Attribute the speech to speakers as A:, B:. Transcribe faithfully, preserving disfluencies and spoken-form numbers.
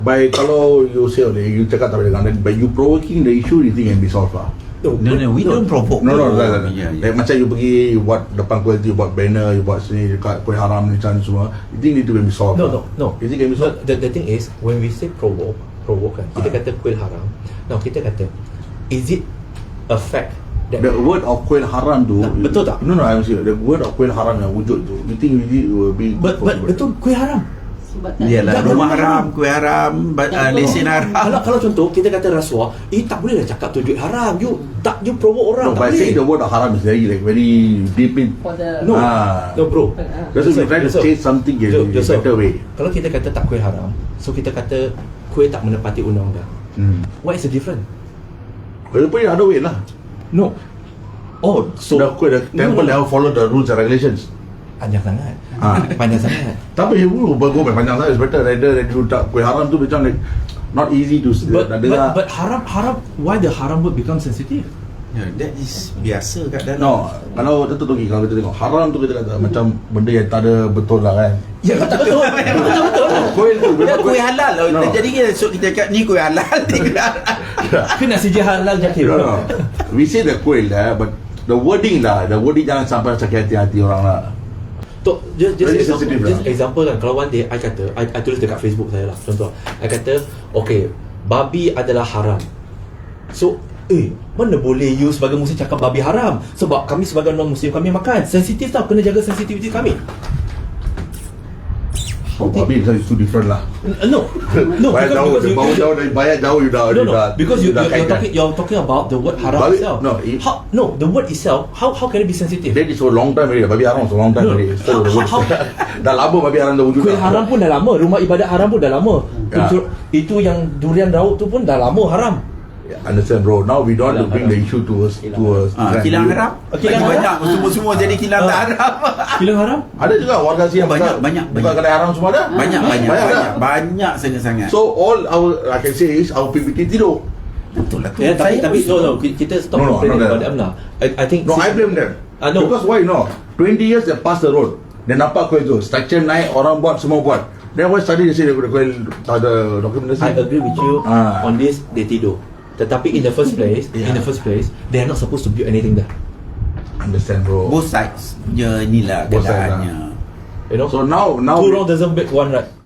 A: By kalau you say okay, you cakap tak boleh, by you provoking the issue, you think can be solved lah.
B: No, no, no, we no. don't provoke.
A: No, no, no, no, no.
B: Yeah, yeah.
A: Like, macam you pergi, you buat depan kuil tu, you buat banner, you buat sini dekat kuil haram ni macam semua. You think itu can be solved?
C: No,
A: lah?
C: no, no.
A: You think can be solved?
C: The, the thing is, when we say provoke, provoke kan, kita
A: uh.
C: kata kuil haram. Now kita kata, is it a fact that
A: the word of kuil haram tu,
C: nah, betul tak?
A: No, no, I'm serious. The word of kuil haram yang wujud tu, you think really will be?
C: But, but betul kuil haram.
B: Iyalah, rumah haram, kuih haram, uh, lesen haram.
C: Kalau kalau contoh kita kata rasuah, eh tak boleh lah cakap tu duit haram. You tak you provoke orang.
A: No,
C: tak
A: by
C: boleh.
A: saying the word of haram is very like very deep in.
C: No,
A: ah.
C: no bro.
A: That's why we try to say something in a better way.
C: Kalau kita kata tak kuih haram, so kita kata kuih tak menepati undang-undang.
A: Hmm.
C: What is the difference?
A: Well, put it other way lah.
C: No. Oh, so
A: the kuih, the temple no, no. have followed the rules and regulations.
C: Panjang sangat.
A: Ha.
C: Panjang sangat.
A: Tapi you go back panjang sangat is better rather than you tak kuih haram tu macam like not easy to
C: but,
A: nak
C: but,
A: dengar.
C: but haram haram why the haram word become sensitive?
B: Yeah, that is biasa kat dalam.
A: No, kalau tentu tu kalau kita tengok haram tu kita kata macam benda yang tak ada betul lah kan.
C: Ya betul betul. Betul betul.
A: Kuih tu
B: dia kuih halal lah.
A: No.
B: Jadi kita so kita cakap ni kuih halal.
C: Kena saja halal jadi.
A: No, no. We say the kuih lah, but the wording lah, the wording jangan sampai sakit hati-hati orang lah.
C: Tok, just, just, example, just
A: lah.
C: example kan, kalau one day I kata, I, I tulis dekat Facebook saya lah, contoh I kata, okay, babi adalah haram. So, eh, mana boleh you sebagai muslim cakap babi haram? Sebab kami sebagai non-muslim, kami makan. Sensitif tau, kena jaga sensitivity kami.
A: Oh, babi is too different lah.
C: No, no,
A: bayar
C: because,
A: jauh,
C: because you,
A: bau jauh dari bayar jauh you dah.
C: no, no,
A: dah,
C: because you,
A: dah
C: you, you're, talking, you're talking about the word haram
A: babi,
C: itself.
A: No, it,
C: how, no, the word itself, how how can it be sensitive?
A: That is for a long time already. Babi haram for a long time
C: No,
A: already. So,
C: how, how,
A: dah lama babi haram dah wujud.
C: Kuih haram pun dah lama, rumah ibadat haram pun dah lama.
A: Ya.
C: Itu, itu yang durian raut tu pun dah lama haram.
A: Understand bro, now we don't want to bring the issue to us to us
B: Ah, kilang haram.
C: Kilang
B: banyak semua-semua jadi kilang tak haram.
C: Kilang haram?
A: Ada juga warga sini yang
B: banyak banyak
A: buka kedai haram semua ada.
B: Banyak banyak
A: banyak
B: banyak, banyak sangat-sangat.
A: So all our I can say is our P P T tidur.
B: Betul lah tu.
C: Ya, tapi tapi no no kita stop
A: No, no,
C: complaining
A: no, no.
C: about them lah. I, I think
A: No, I blame them.
C: Ah, no.
A: Because why no? twenty years they pass the road. Dia nampak kuil tu, structure naik, orang buat, semua buat. Then why study they say the kuil tak ada dokumentasi?
C: I agree with you
A: Ah.
C: on this, they tidur. Tetapi in the first place,
A: Yeah.
C: in the first place, they are not supposed to build anything there.
A: Understand bro.
B: Both sides je ni lah
A: Both sides
B: keadaannya.
C: You know?
A: So now now
C: two wrong doesn't make one right.